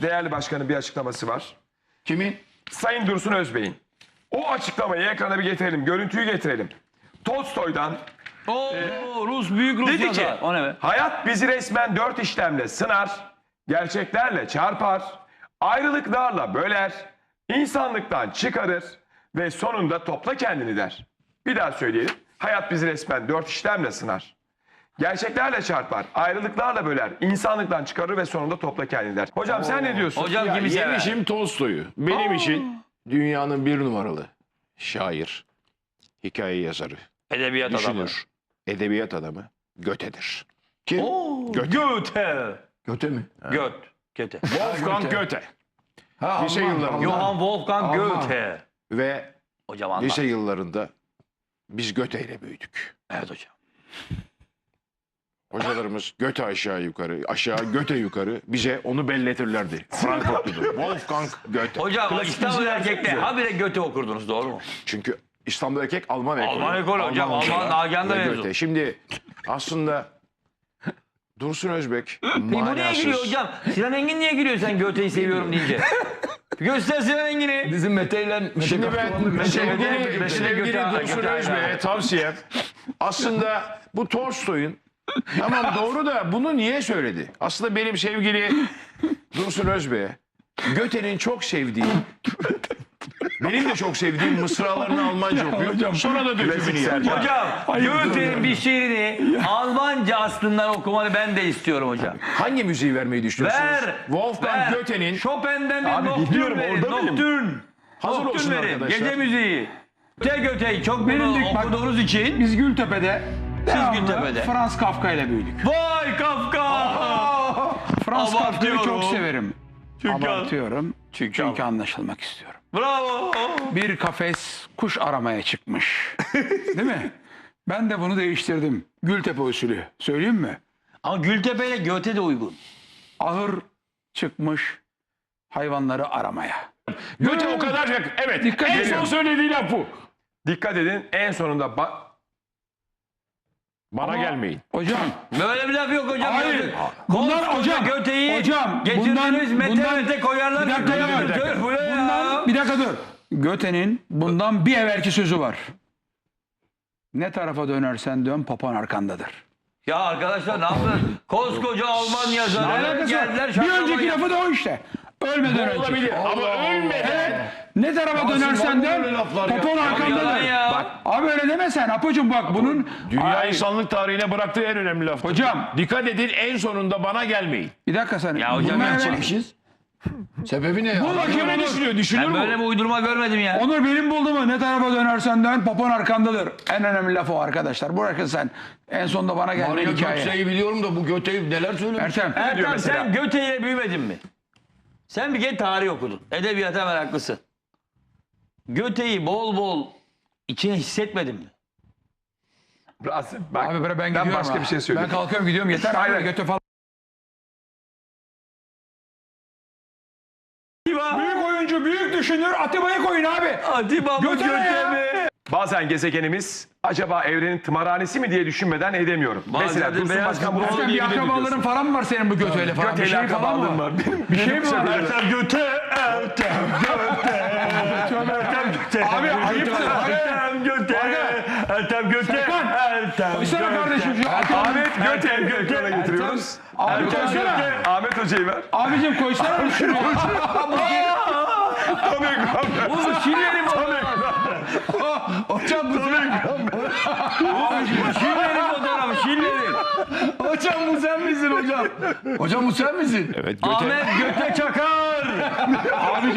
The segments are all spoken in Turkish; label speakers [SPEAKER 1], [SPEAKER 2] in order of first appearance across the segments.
[SPEAKER 1] değerli başkanın bir açıklaması var.
[SPEAKER 2] Kimin?
[SPEAKER 1] Sayın Dursun Özbey'in. O açıklamayı ekrana bir getirelim. Görüntüyü getirelim. Tolstoy'dan
[SPEAKER 3] Büyük Rus
[SPEAKER 1] dedi ki
[SPEAKER 3] yazar. O ne be?
[SPEAKER 1] hayat bizi resmen 4 işlemle sınar, gerçeklerle çarpar, ayrılıklarla böler, insanlıktan çıkarır ve sonunda topla kendini der. Bir daha söyleyelim. Hayat bizi resmen 4 işlemle sınar. Gerçeklerle çarpar, ayrılıklarla böler, insanlıktan çıkarır ve sonunda topla kendini der. Hocam sen ne diyorsun?
[SPEAKER 3] Hocam kimi sever?
[SPEAKER 2] Yemişim Tolstoy'u. Benim için dünyanın bir numaralı şair, hikaye yazarı,
[SPEAKER 3] Edebiyat adamı.
[SPEAKER 2] düşünür, edebiyat adamı Göte'dir. Kim?
[SPEAKER 3] Goethe.
[SPEAKER 2] Göte mi?
[SPEAKER 3] Goethe.
[SPEAKER 2] Wolfgang Goethe.
[SPEAKER 4] Ha,
[SPEAKER 2] Lise
[SPEAKER 4] Alman,
[SPEAKER 2] yıllarında.
[SPEAKER 3] Johann Wolfgang
[SPEAKER 4] Alman.
[SPEAKER 3] Goethe.
[SPEAKER 2] Ve
[SPEAKER 3] Hocam anlat.
[SPEAKER 2] lise yıllarında biz Göte ile büyüdük.
[SPEAKER 3] Evet hocam.
[SPEAKER 2] Hocalarımız Göte aşağı yukarı, aşağı Göte yukarı bize onu belletirlerdi. Frankfurtludur. Wolfgang Goethe.
[SPEAKER 3] Hocam İstanbul erkekte habire Goethe okurdunuz doğru mu?
[SPEAKER 2] Çünkü İstanbul erkek Alman ekolü.
[SPEAKER 3] Alman ekolü hocam, Alman
[SPEAKER 2] hocalar
[SPEAKER 3] Nagihan'da
[SPEAKER 2] ve
[SPEAKER 3] mezun.
[SPEAKER 2] Goethe. Şimdi aslında Dursun Özbek
[SPEAKER 3] Peki bu niye
[SPEAKER 2] manasız.
[SPEAKER 3] giriyor hocam? Sinan Engin niye giriyor sen Goethe'yi seviyorum deyince? Göster Sinan Engin'i.
[SPEAKER 4] Bizim Mete ile
[SPEAKER 2] Şimdi ben sevgili
[SPEAKER 3] Göte-
[SPEAKER 2] Dursun
[SPEAKER 3] Göte-
[SPEAKER 2] Özbek'e tavsiyem aslında bu Tolstoy'un tamam doğru da bunu niye söyledi? Aslında benim sevgili Dursun Özbek'e Göte'nin çok sevdiği benim de çok sevdiğim mısralarını Almanca okuyor. Sonra da dökümünü yer.
[SPEAKER 3] Hocam Goethe'nin bir şiirini Almanca aslından okumanı ben de istiyorum hocam.
[SPEAKER 2] Hangi müziği vermeyi düşünüyorsunuz?
[SPEAKER 3] Ver.
[SPEAKER 2] Wolfgang Goethe'nin
[SPEAKER 3] Chopin'den bir
[SPEAKER 1] Abi
[SPEAKER 3] nocturne
[SPEAKER 1] biliyorum,
[SPEAKER 3] verin.
[SPEAKER 1] orada mıyım?
[SPEAKER 3] Nocturne.
[SPEAKER 2] Hazır olsun
[SPEAKER 3] Nocturne verin.
[SPEAKER 2] arkadaşlar.
[SPEAKER 3] Gece müziği. Göte'yi çok bunu
[SPEAKER 5] Benim bak-
[SPEAKER 3] okuduğunuz için.
[SPEAKER 5] Biz Gültepe'de devamlı
[SPEAKER 3] Gültepe'de.
[SPEAKER 5] Franz Kafka ile büyüdük.
[SPEAKER 3] Vay Kafka.
[SPEAKER 5] Franz Kafka'yı
[SPEAKER 3] Abartıyorum.
[SPEAKER 5] çok severim.
[SPEAKER 3] Çünkü-
[SPEAKER 5] Abartıyorum.
[SPEAKER 3] Çünkü-
[SPEAKER 5] Çünkü anlaşılmak istiyorum.
[SPEAKER 3] Bravo.
[SPEAKER 5] Bir kafes kuş aramaya çıkmış. Değil mi? Ben de bunu değiştirdim. Gültepe usulü. Söyleyeyim mi?
[SPEAKER 3] Ama Gültepe ile Goethe de uygun.
[SPEAKER 5] Ahır çıkmış hayvanları aramaya.
[SPEAKER 2] Goethe o kadar evet.
[SPEAKER 5] Dikkat
[SPEAKER 2] en son
[SPEAKER 5] ediyorum.
[SPEAKER 2] söylediği laf bu.
[SPEAKER 1] Dikkat edin en sonunda
[SPEAKER 2] Bana gelmeyin.
[SPEAKER 5] Hocam.
[SPEAKER 3] Böyle bir laf yok hocam.
[SPEAKER 5] Hayır.
[SPEAKER 3] Bunlar
[SPEAKER 5] Bunlar hocam.
[SPEAKER 3] Göte'yi
[SPEAKER 5] Hocam.
[SPEAKER 3] getirdiniz mete koyarlar.
[SPEAKER 5] Bir dakika,
[SPEAKER 3] Göte'yi.
[SPEAKER 5] bir dakika.
[SPEAKER 3] Bu ne ya?
[SPEAKER 5] Bundan, bir dakika dur. Göte'nin bundan bir evvelki sözü var. Ne tarafa dönersen dön papan arkandadır.
[SPEAKER 3] Ya arkadaşlar ne yaptın? Koskoca Alman yazarı
[SPEAKER 5] Alakası var.
[SPEAKER 3] geldiler.
[SPEAKER 5] Bir
[SPEAKER 3] şaklamayı
[SPEAKER 5] önceki lafı da o işte. Ölmeden önce.
[SPEAKER 2] Olabilir ama ölmeden.
[SPEAKER 5] Ne tarafa dönersen dön papan
[SPEAKER 3] Yalan
[SPEAKER 5] arkandadır.
[SPEAKER 3] ya.
[SPEAKER 5] Bak, abi öyle demesen Apocuğum bak bunun...
[SPEAKER 2] Dünya
[SPEAKER 5] Ay,
[SPEAKER 2] insanlık tarihine bıraktığı en önemli laf.
[SPEAKER 5] Hocam.
[SPEAKER 2] Dikkat edin en sonunda bana gelmeyin.
[SPEAKER 5] Bir dakika sen.
[SPEAKER 3] Ya hocam
[SPEAKER 5] Bunlar
[SPEAKER 3] ben
[SPEAKER 5] evvel-
[SPEAKER 4] çekmişiz. Sebebi ne ya?
[SPEAKER 5] Bu bakayım
[SPEAKER 2] Ne
[SPEAKER 5] Onur.
[SPEAKER 2] düşünüyor? Düşünür
[SPEAKER 3] Ben
[SPEAKER 2] mü?
[SPEAKER 3] böyle bir uydurma görmedim ya.
[SPEAKER 5] Onur benim bulduğumu ne tarafa dönersen dön papan arkandadır. En önemli laf o arkadaşlar. Bırakın sen. En sonunda bana gelme
[SPEAKER 4] Mario
[SPEAKER 5] hikaye.
[SPEAKER 4] Gökçe'yi biliyorum da bu Göte'yi neler söylemiş?
[SPEAKER 5] Ertem.
[SPEAKER 3] Ertem
[SPEAKER 1] mesela?
[SPEAKER 3] sen Goethe ile büyümedin mi? Sen bir kere tarih okudun. Edebiyata meraklısın. Goethe'yi bol bol içine hissetmedin mi?
[SPEAKER 1] Rasim, bak,
[SPEAKER 5] Abi ben
[SPEAKER 1] ben
[SPEAKER 5] gidiyorum
[SPEAKER 1] başka
[SPEAKER 5] ha.
[SPEAKER 1] bir şey söyleyeyim.
[SPEAKER 5] Ben kalkıyorum gidiyorum yeter.
[SPEAKER 1] Aynen.
[SPEAKER 5] Hayır götü falan. Büyük oyuncu, büyük düşünür. Atiba'yı koyun abi.
[SPEAKER 3] Atiba mı
[SPEAKER 5] Göte ne
[SPEAKER 3] Goethe
[SPEAKER 5] ya?
[SPEAKER 3] mi?
[SPEAKER 1] Bazen gezegenimiz acaba evrenin tımarhanesi mi diye düşünmeden edemiyorum.
[SPEAKER 3] Bazen
[SPEAKER 1] Mesela
[SPEAKER 3] de
[SPEAKER 1] Dursun
[SPEAKER 3] beyaz
[SPEAKER 1] Başkan bunu
[SPEAKER 5] Ertem bir
[SPEAKER 1] söyleyebilir
[SPEAKER 5] akrabaların
[SPEAKER 1] diyorsun.
[SPEAKER 5] falan mı var senin bu götüyle falan? Bir
[SPEAKER 1] Göte'yle
[SPEAKER 5] şey falan
[SPEAKER 1] akrabalığım
[SPEAKER 5] mı?
[SPEAKER 1] var. Benim
[SPEAKER 5] Bir şey mi var?
[SPEAKER 3] Ertem Goethe, Ertem Goethe, Ertem Goethe.
[SPEAKER 5] Abi ayıptır.
[SPEAKER 3] Ertem Goethe, Ertem Goethe,
[SPEAKER 5] Serkan,
[SPEAKER 3] Ertem
[SPEAKER 5] koysana kardeşim şu
[SPEAKER 1] Ahmet Göte
[SPEAKER 3] Ertem Göte.
[SPEAKER 1] ekrana getiriyoruz.
[SPEAKER 5] Abi
[SPEAKER 3] Ertem
[SPEAKER 5] koysana.
[SPEAKER 3] Göte.
[SPEAKER 1] Ahmet Hoca'yı ver.
[SPEAKER 5] Abicim koysana şunu.
[SPEAKER 1] Tam ekranda.
[SPEAKER 3] Bu Şile'nin fotoğrafı.
[SPEAKER 4] Hocam bu
[SPEAKER 3] Şile'nin fotoğrafı. Şile'nin.
[SPEAKER 4] Hocam bu sen misin hocam? Hocam bu sen misin?
[SPEAKER 2] Evet Göte.
[SPEAKER 3] Ahmet Göte Çakar. Ahmet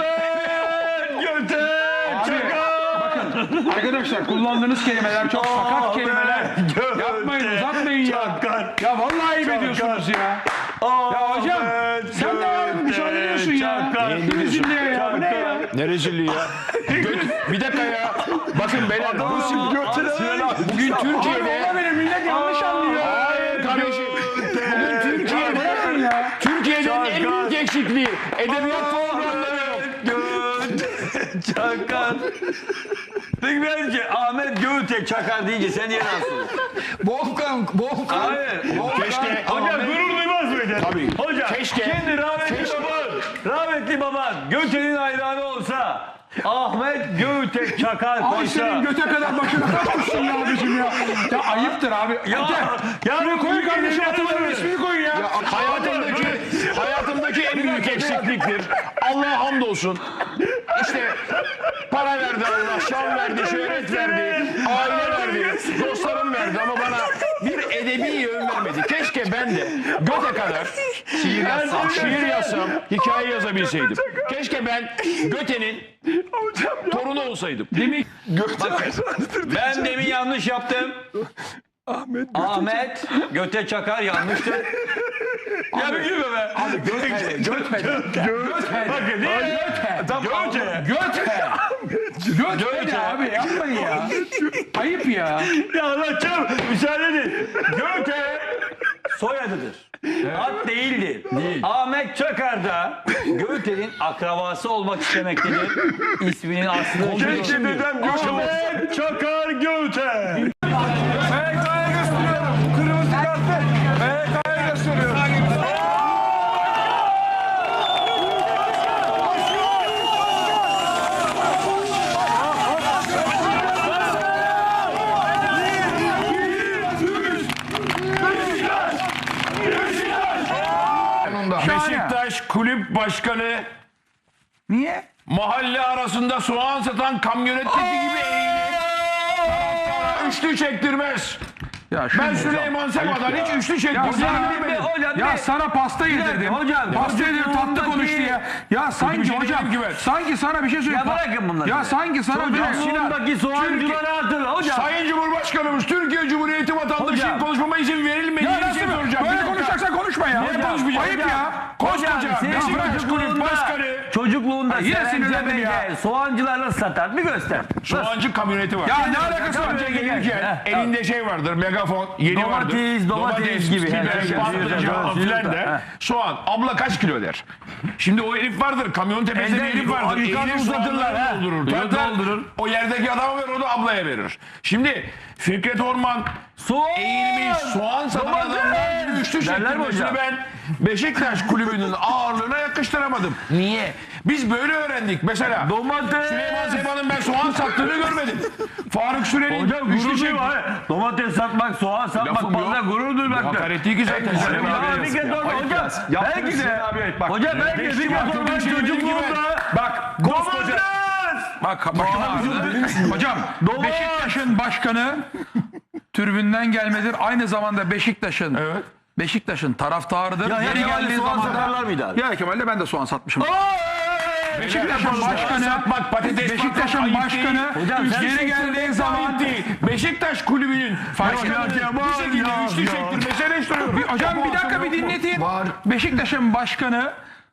[SPEAKER 3] Göte Çakar.
[SPEAKER 5] Arkadaşlar kullandığınız kelimeler çok sakat kelimeler.
[SPEAKER 3] Göte
[SPEAKER 5] Yapmayın uzatmayın ya.
[SPEAKER 3] Çakar.
[SPEAKER 5] Ya vallahi ayıp ediyorsunuz ya. Ya hocam sen de var müsaade ediyorsun ya. Bir bizimle ya. Bu ne ya?
[SPEAKER 2] Ne rezilliği ya. Bir dakika ya. Bakın beyler. Bugün
[SPEAKER 5] Abi
[SPEAKER 2] Türkiye'de.
[SPEAKER 5] valla benim millet yanlış anlıyor.
[SPEAKER 2] Hayır kardeşim. Bugün Türkiye'de.
[SPEAKER 5] Bırakın ya.
[SPEAKER 2] Türkiye'nin en büyük eksikliği. Edebiyat programları yok.
[SPEAKER 3] Göte Çakar. Peki bence Ahmet Göte Çakar deyince sen niye rahatsız oluyorsun?
[SPEAKER 4] Volkan.
[SPEAKER 3] Hayır.
[SPEAKER 2] Keşke.
[SPEAKER 3] Hocam gurur duymaz mıydın?
[SPEAKER 2] Tabii.
[SPEAKER 3] Hocam
[SPEAKER 2] Keşke.
[SPEAKER 3] kendi rahmetli baban rahmetli baban Göte'nin hayranı olsa Ahmet Göte Çakar
[SPEAKER 5] Ay
[SPEAKER 3] koysa.
[SPEAKER 5] senin göte kadar başına kalkmışsın ya abicim ya. Ya ayıptır abi.
[SPEAKER 3] Ya
[SPEAKER 5] Şuraya koyun kardeşim Atalar'ın ismini koyun ya.
[SPEAKER 2] Hayatımdaki en büyük eksikliktir. Allah'a hamdolsun. İşte para verdi Allah, şan verdi, şöhret verdi, aile verdi, dostlarım verdi ama bana bir edebi yön vermedi. Keşke ben de Göte kadar şiir yazsam, hikaye yazabilseydim. Keşke ben Göte'nin torunu olsaydım.
[SPEAKER 5] Demek
[SPEAKER 3] Ben demin yanlış yaptım. Ahmet Göte Çakar yanlıştı. Ya bir gülme be.
[SPEAKER 5] Göte abi yapmayın ya. Ayıp ya.
[SPEAKER 3] Ya anlatacağım. Müsaade edin. Göte soyadıdır. Ad değildir. Ahmet Çakar da Göte'nin akrabası olmak istemektedir. İsminin aslında
[SPEAKER 1] Keşke dedem Göte olsa.
[SPEAKER 3] Ahmet Çakar Göte.
[SPEAKER 1] MHK'ya gösteriyorum. Kırmızı kartı. MHK'ya gösteriyorum.
[SPEAKER 2] Beşiktaş Kulüp Başkanı
[SPEAKER 5] Niye?
[SPEAKER 2] mahalle arasında soğan satan kamyonetteki gibi eğilir. Taraftara üçlü çektirmez.
[SPEAKER 5] Ya
[SPEAKER 2] Ben Süleyman Seba'dan hiç üçlü çektirmez.
[SPEAKER 5] Ya sana pasta yedirdim. Pasta yedirdim tatlı konuş diye. Ya sanki
[SPEAKER 2] şey
[SPEAKER 5] hocam.
[SPEAKER 2] değilim ki ben.
[SPEAKER 5] Sanki sana bir şey söyleyeyim.
[SPEAKER 3] Ya bırakın bunları.
[SPEAKER 5] Ya sanki sana bir
[SPEAKER 3] Çocukluğundaki soğancıları hatırla hocam.
[SPEAKER 2] Sayın Cumhurbaşkanımız Türkiye Cumhuriyeti vatandaşının
[SPEAKER 3] Hocam.
[SPEAKER 2] konuşmama izin verilmediği
[SPEAKER 5] Ya
[SPEAKER 2] bir şey
[SPEAKER 5] nasıl
[SPEAKER 2] soracağım.
[SPEAKER 5] böyle
[SPEAKER 2] Bir dakika.
[SPEAKER 5] konuşacaksan konuşma ya.
[SPEAKER 2] Niye konuşmayacağım?
[SPEAKER 5] Ayıp ya.
[SPEAKER 2] Koskoca
[SPEAKER 3] Senin
[SPEAKER 2] Beşiktaş Kulüp Başkanı
[SPEAKER 3] çocukluğunda
[SPEAKER 5] yine sinirlendim ya.
[SPEAKER 3] Serencebe'de soğancılar nasıl satar? Bir göster.
[SPEAKER 2] soğancı kamyoneti var.
[SPEAKER 5] Ya ne alakası var?
[SPEAKER 3] Kamyonete
[SPEAKER 2] Gelirken
[SPEAKER 3] gel.
[SPEAKER 2] elinde şey vardır, megafon, yeni vardır.
[SPEAKER 3] Domates gibi.
[SPEAKER 2] biber,
[SPEAKER 3] Herkes
[SPEAKER 2] patlıcan
[SPEAKER 3] yiyor.
[SPEAKER 2] filan der. Soğan. Abla kaç kilo der. Şimdi o herif vardır, kamyon tepesinde bir
[SPEAKER 3] Elde
[SPEAKER 2] herif vardır.
[SPEAKER 3] yukarı
[SPEAKER 2] Eğilir
[SPEAKER 3] uzatırlar,
[SPEAKER 2] soğanları
[SPEAKER 3] ha.
[SPEAKER 2] doldurur.
[SPEAKER 3] Yok,
[SPEAKER 2] Tartar,
[SPEAKER 3] doldurur.
[SPEAKER 2] o yerdeki adama verir, o da ablaya verir. Şimdi Fikret Orman
[SPEAKER 3] Soğan.
[SPEAKER 2] eğilmiş soğan satan
[SPEAKER 3] Domates.
[SPEAKER 2] adamlar gibi üçlü
[SPEAKER 3] Derler mi
[SPEAKER 2] çektirmesini
[SPEAKER 3] hocam?
[SPEAKER 2] ben Beşiktaş kulübünün ağırlığına yakıştıramadım. Niye? Biz böyle öğrendik. Mesela
[SPEAKER 3] Domates.
[SPEAKER 2] Süleyman Seba'nın ben soğan sattığını görmedim. Faruk Süren'in
[SPEAKER 3] Hocam
[SPEAKER 2] üçlü
[SPEAKER 3] gurur
[SPEAKER 2] çekti.
[SPEAKER 3] duyma. Domates satmak, soğan satmak
[SPEAKER 2] Lafım yok.
[SPEAKER 3] fazla gurur duymaktır.
[SPEAKER 2] Hakaret değil ki zaten.
[SPEAKER 3] Hocam belki de. Hocam belki de Fikret Orman çocukluğunda.
[SPEAKER 5] Bak koskoca. Bak başım ağrıdı. Hocam Beşiktaş'ın başkanı tribünden gelmedir. Aynı zamanda Beşiktaş'ın taraftarıdır.
[SPEAKER 3] Ya
[SPEAKER 5] Yeri geldiği
[SPEAKER 3] soğan
[SPEAKER 5] zaman
[SPEAKER 3] satarlar mıydı abi?
[SPEAKER 5] Ya Kemal'le ben de soğan satmışım.
[SPEAKER 2] Beşiktaş'ın
[SPEAKER 5] Başkanı,
[SPEAKER 2] patates
[SPEAKER 5] Beşiktaş'ın
[SPEAKER 2] ayıp
[SPEAKER 5] başkanı
[SPEAKER 3] Hocam sen
[SPEAKER 5] yeri geldiği zaman
[SPEAKER 2] değil. Beşiktaş kulübünün başkanı bu şekilde üçlü çektirmesi eleştiriyorum.
[SPEAKER 5] hocam bir dakika bir dinletin. Beşiktaş'ın başkanı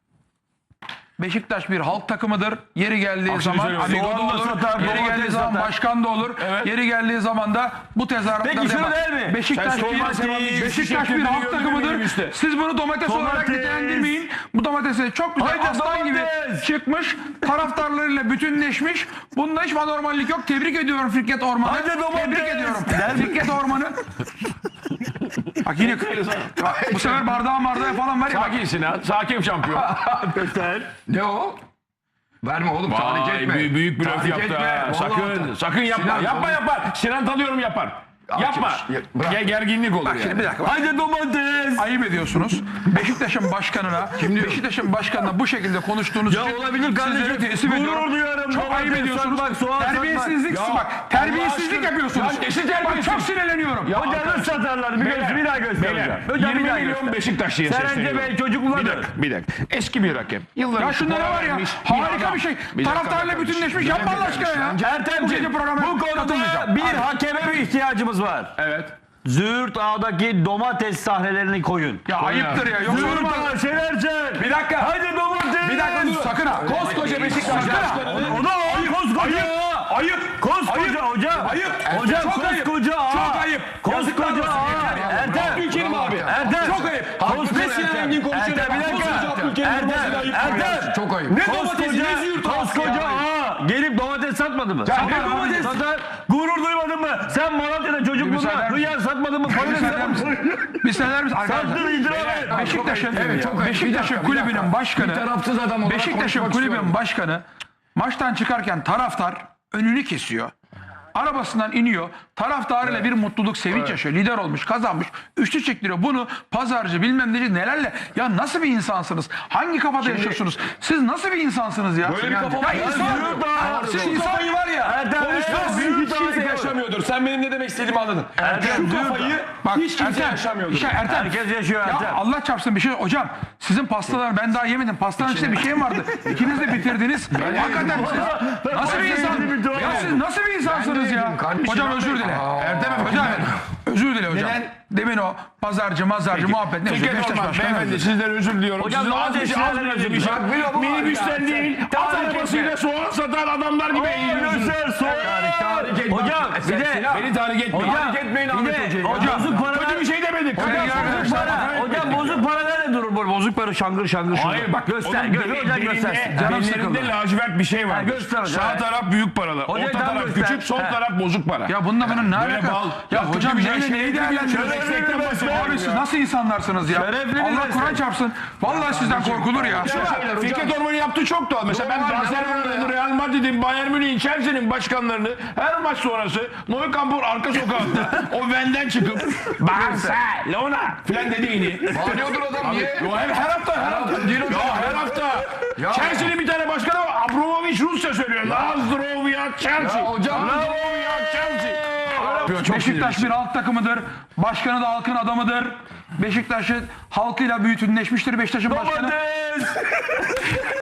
[SPEAKER 5] Beşiktaş bir halk takımıdır. Yeri geldiği zaman amigo da
[SPEAKER 3] Soğan da
[SPEAKER 5] olur.
[SPEAKER 3] satar,
[SPEAKER 5] Yeri
[SPEAKER 3] domates
[SPEAKER 5] geldiği zaman
[SPEAKER 3] satar.
[SPEAKER 5] başkan da olur. Yeri geldiği zaman da bu tezahüratlar
[SPEAKER 3] Peki şunu
[SPEAKER 5] yapar.
[SPEAKER 3] der mi?
[SPEAKER 5] Beşiktaş
[SPEAKER 2] Sen Süleyman Seba'nın
[SPEAKER 5] bir
[SPEAKER 2] üçlü
[SPEAKER 5] Beşiktaş bir
[SPEAKER 2] çektirdiğini
[SPEAKER 5] halk
[SPEAKER 2] gördün mü
[SPEAKER 5] takımıdır.
[SPEAKER 2] minibüste?
[SPEAKER 5] Siz bunu domates olarak
[SPEAKER 3] Domates.
[SPEAKER 5] nitelendirmeyin. Bu domatesi çok güzel aslan gibi çıkmış. Taraftarlarıyla bütünleşmiş. Bunda hiç anormallik yok. Tebrik ediyorum Fikret Orman'ı.
[SPEAKER 3] Hadi domates.
[SPEAKER 5] Tebrik ediyorum. Fikret Orman'ı. Bak yine bu sefer bardağı falan var ya. Bak.
[SPEAKER 2] Sakin Sinan, sakin şampiyon.
[SPEAKER 4] Ne o? Verme oğlum tahrik
[SPEAKER 2] Vay,
[SPEAKER 4] etme.
[SPEAKER 2] büyük bir laf
[SPEAKER 4] Tahrik
[SPEAKER 2] yaptı
[SPEAKER 4] etme.
[SPEAKER 2] ha.
[SPEAKER 4] Vallahi
[SPEAKER 2] Sakın, sakın yapma.
[SPEAKER 4] Sinan,
[SPEAKER 2] yapma. Sinan tanıyorum yapar. Yapma.
[SPEAKER 4] bırak.
[SPEAKER 2] Gerginlik olur yani.
[SPEAKER 5] Şimdi bir dakika.
[SPEAKER 3] Haydi domates.
[SPEAKER 5] Ayıp ediyorsunuz. Beşiktaş'ın başkanına, Beşiktaş'ın başkanına bu şekilde konuştuğunuz
[SPEAKER 3] Ya
[SPEAKER 5] için
[SPEAKER 3] olabilir kardeşim.
[SPEAKER 5] sizlere teslim
[SPEAKER 3] Gurur
[SPEAKER 5] ediyorum.
[SPEAKER 3] duyarım.
[SPEAKER 5] Çok
[SPEAKER 3] Domates
[SPEAKER 5] ayıp ediyorsunuz.
[SPEAKER 3] satmak, soğan
[SPEAKER 5] Terbiyesizlik,
[SPEAKER 2] satmak.
[SPEAKER 5] bak terbiyesizlik
[SPEAKER 2] Allah aşkına.
[SPEAKER 5] yapıyorsunuz.
[SPEAKER 2] Ya nesi
[SPEAKER 5] Bak
[SPEAKER 2] terbiyesiz?
[SPEAKER 5] çok sinirleniyorum.
[SPEAKER 2] Ya
[SPEAKER 3] Hocam nasıl satarlar? Bir daha göstereceğim. Hocam
[SPEAKER 2] 20
[SPEAKER 3] bir daha
[SPEAKER 2] milyon
[SPEAKER 3] göster.
[SPEAKER 2] Beşiktaş diye
[SPEAKER 3] Serence
[SPEAKER 2] sesleniyorum.
[SPEAKER 3] Bey çocukluğundadır.
[SPEAKER 2] Bir dakika. Eski bir hakem. Yılların
[SPEAKER 5] Ya şunda ne
[SPEAKER 2] spora
[SPEAKER 5] var ya?
[SPEAKER 2] vermiş
[SPEAKER 5] Harika
[SPEAKER 2] adam.
[SPEAKER 5] bir şey.
[SPEAKER 2] Bir dakika
[SPEAKER 5] Taraftarla
[SPEAKER 2] kardeşim.
[SPEAKER 5] bütünleşmiş.
[SPEAKER 2] Bir
[SPEAKER 5] Yapma
[SPEAKER 2] dakika
[SPEAKER 5] Allah aşkına ya.
[SPEAKER 2] kardeşim.
[SPEAKER 3] Ertemciğim
[SPEAKER 5] programa
[SPEAKER 3] bu konuda
[SPEAKER 5] katılmayacağım.
[SPEAKER 3] bir hakeme bir ihtiyacımız var.
[SPEAKER 2] Evet.
[SPEAKER 3] Züğürt Ağa'daki domates sahnelerini koyun.
[SPEAKER 5] Ya ayıptır ya. Yoksa
[SPEAKER 3] Züğürt
[SPEAKER 5] olmaz.
[SPEAKER 3] Ağa Şenercan.
[SPEAKER 5] Bir dakika.
[SPEAKER 3] Hadi domates.
[SPEAKER 5] Bir dakika dur. Sakın ha.
[SPEAKER 4] Koskoca Beşiktaş başkanı.
[SPEAKER 3] O da ayıp. Koskoca Ağa.
[SPEAKER 5] Ayıp.
[SPEAKER 3] Koskoca hocam.
[SPEAKER 5] Ayıp.
[SPEAKER 3] Hocam
[SPEAKER 5] Çok ayıp.
[SPEAKER 3] koskoca Ağa.
[SPEAKER 5] Çok ayıp.
[SPEAKER 3] Koskoca Ağa. Ertem.
[SPEAKER 4] Ülkenim abi.
[SPEAKER 3] Ertem.
[SPEAKER 5] Çok ayıp.
[SPEAKER 4] Ne Sinan Engin konuşuyor?
[SPEAKER 3] Ertem bir dakika.
[SPEAKER 4] Koskoca Abdülkerim Durmaz'ın ayıp.
[SPEAKER 3] Ertem.
[SPEAKER 4] Çok ayıp. Ne domatesi ne
[SPEAKER 3] Koskoca
[SPEAKER 4] züğürt ağası
[SPEAKER 3] Koskoca
[SPEAKER 4] ya?
[SPEAKER 3] Ağa. gelip domates satmadı mı?
[SPEAKER 5] ne
[SPEAKER 3] Satar,
[SPEAKER 5] domates?
[SPEAKER 3] satar. Gurur duymadın mı? Sen Malatya'da çocukluğunda
[SPEAKER 5] müsaade-
[SPEAKER 3] hıyar satmadın mı? Patates satmadın mı?
[SPEAKER 5] Bir söyler misin arkadaşlar?
[SPEAKER 3] Sattın, itiraf et.
[SPEAKER 5] Beşiktaş'ın
[SPEAKER 4] Evet, çok ayıp.
[SPEAKER 5] Beşiktaş'ın
[SPEAKER 4] Bir dakika,
[SPEAKER 5] kulübünün
[SPEAKER 4] bir
[SPEAKER 5] başkanı
[SPEAKER 4] tarafsız adam olarak
[SPEAKER 5] Beşiktaş'ın
[SPEAKER 4] konuşmak
[SPEAKER 5] kulübünün
[SPEAKER 4] istiyorum.
[SPEAKER 5] başkanı maçtan çıkarken taraftar önünü kesiyor. Arabasından iniyor. Taraftarıyla bir mutluluk, sevinç yaşıyor. Lider olmuş, kazanmış. Üçlü çektiriyor. Bunu pazarcı bilmem neci nelerle. Ya nasıl bir insansınız? Hangi kafada yaşıyorsunuz? Siz nasıl bir insansınız ya?
[SPEAKER 1] Böyle bir kafa var.
[SPEAKER 5] Ya insan.
[SPEAKER 1] Siz
[SPEAKER 5] Siz insan.
[SPEAKER 1] kafayı var ya.
[SPEAKER 3] Ertem,
[SPEAKER 1] Konuşmaz.
[SPEAKER 3] Ertem,
[SPEAKER 1] Hiç kimse yaşamıyordur. Sen benim ne demek istediğimi anladın. Şu kafayı hiç kimse yaşamıyordur.
[SPEAKER 5] Ertem.
[SPEAKER 3] Herkes yaşıyor
[SPEAKER 5] Ya
[SPEAKER 3] Ertem.
[SPEAKER 5] Allah çarpsın bir şey. Hocam sizin pastalar ben daha yemedim. Pastanın içinde bir şey mi vardı? İkiniz de bitirdiniz. Hakikaten siz nasıl bir insan? Ya siz nasıl bir insansınız ya? Hocam özür dile. Hocam özür dile hocam. Demin o pazarcı muhabbet ne?
[SPEAKER 2] Fikret
[SPEAKER 5] Beşiktaş
[SPEAKER 2] Orman
[SPEAKER 5] başkanı
[SPEAKER 2] beyefendi
[SPEAKER 5] özür.
[SPEAKER 2] sizden özür diliyorum.
[SPEAKER 3] Hocam,
[SPEAKER 2] Sizin
[SPEAKER 3] domates
[SPEAKER 2] az
[SPEAKER 3] şeylerle
[SPEAKER 2] bir şey. Minibüsten değil, at
[SPEAKER 3] Tahrik
[SPEAKER 2] arabasıyla soğan satan adamlar gibi eğiliyorsunuz.
[SPEAKER 3] Göster soğuk. Hocam bir de
[SPEAKER 2] Beni tahrik etmeyin.
[SPEAKER 3] hocam bir de bozuk paralar.
[SPEAKER 2] Kötü bir şey demedik.
[SPEAKER 3] Hocam bozuk para nerede durur böyle bozuk para şangır şangır şurada.
[SPEAKER 2] Hayır bak
[SPEAKER 3] göster
[SPEAKER 2] onun
[SPEAKER 3] hocam göstersin.
[SPEAKER 5] Canım sıkıldı.
[SPEAKER 2] bellerinde lacivert bir şey var.
[SPEAKER 3] Ha, göster hocam.
[SPEAKER 2] Sağ taraf büyük paralı,
[SPEAKER 3] Hocam
[SPEAKER 2] orta
[SPEAKER 3] tam
[SPEAKER 2] taraf
[SPEAKER 3] göster.
[SPEAKER 2] küçük, sol
[SPEAKER 3] Ha.
[SPEAKER 2] taraf bozuk para.
[SPEAKER 5] Ya bununla bunun ne
[SPEAKER 2] Böyle
[SPEAKER 5] alakası?
[SPEAKER 2] bal.
[SPEAKER 5] Ya
[SPEAKER 2] Ya
[SPEAKER 5] hocam
[SPEAKER 2] kötü bir
[SPEAKER 5] neyle
[SPEAKER 2] şey
[SPEAKER 5] neyi
[SPEAKER 2] değil.
[SPEAKER 5] değerlendiriyorsunuz?
[SPEAKER 2] Şerefli bir meslek
[SPEAKER 5] Abi siz nasıl insanlarsınız ya?
[SPEAKER 3] Şerefli bir
[SPEAKER 5] Allah
[SPEAKER 3] meslek.
[SPEAKER 5] Kur'an çarpsın. Vallahi sizden korkulur ya.
[SPEAKER 2] Fikret Orman'ın yaptığı çok doğal. Mesela ben Barcelona'nın, Real Madrid'in, Bayern Münih'in, Chelsea'nin başkanlarını her maç sonrası Nou Camp'ın arka sokağında o Ven'den çıkıp Barcelona filan dediğini.
[SPEAKER 4] Bağırıyordur adam niye?
[SPEAKER 2] Her hafta. Her hafta. Chelsea'nin bir tane başkanı var. Abramovich Rusça söylüyor. Nazdrovya Chelsea.
[SPEAKER 4] hocam.
[SPEAKER 2] Nazdrovya Chelsea.
[SPEAKER 5] Beşiktaş bir halk takımıdır. Başkanı da halkın adamıdır. Beşiktaş'ın halkıyla bütünleşmiştir. Beşiktaş'ın başkanı.
[SPEAKER 3] Domates.